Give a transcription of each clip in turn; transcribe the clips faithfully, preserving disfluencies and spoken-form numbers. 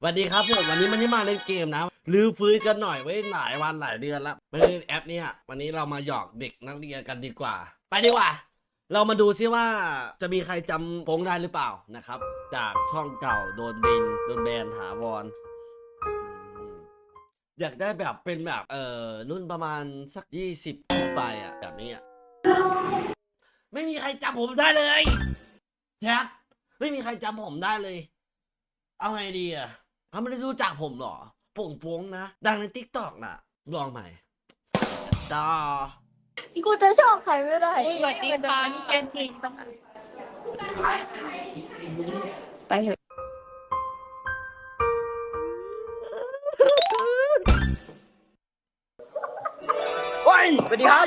สวัสดีครับผมวันนี้มันที่มาในเกมนะรื้อฟื้นกันหน่อยไว้หลายวันหลายเดือนแล้วไม่ได้แอปเนี้ยวันนี้เรามาหยอกเด็กนักเรียนกันดีกว่าไปดีกว่าเรามาดูซิว่าจะมีใครจำโป้งได้หรือเปล่านะครับจากช่องเก่าโดนบินโดนแบนถาวรอยากได้แบบเป็นแบบเอ่อรุ่นประมาณสักยี่สิบขึ้นไปอ่ะแบบนี้อ่ะไม่มีใครจำผมได้เลยแชทไม่มีใครจำผมได้เลยเอาไงดีอ่ะเขาไม่ได้รู้จักผมหรอโป่งโป้งนะดังในทิกตอกน่ะลองใหม่ดากูจะชอบใครไม่ได้สวัสดีค่ะเกนจริงไปเถอะเฮ้ยสวัสดีครับ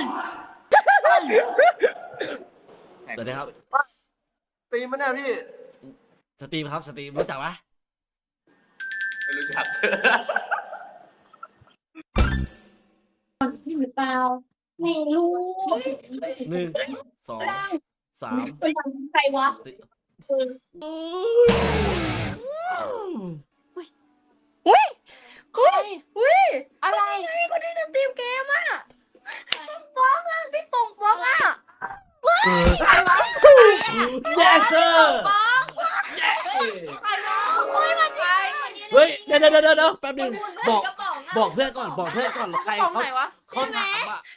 สวัสดีครับตีมันเนี่ยพี่สตรีมครับสตรีมรู้จักไหมไม่รู้จักนี่หรือเปล่าไม่รู้หนึ่งสองสามเป็นใครวะสี่อุ้ยอุ้ยอุ้ยอะไรคนที่ทำทีมเกมอ่ะฟ้องอ่ะพี่ปงฟ้องอ่ะว้ายใครวะเยสเซอร์ฟ้องใครวะอุ้ยมันใครเฮ้ยเดี๋ยวเดี๋ยวเดี๋ยวแป๊บนึงบอกบอกเพื่อนก่อนบอกเพื่อนก่อนใครของเขาไหนวะเขาถามอ่ะ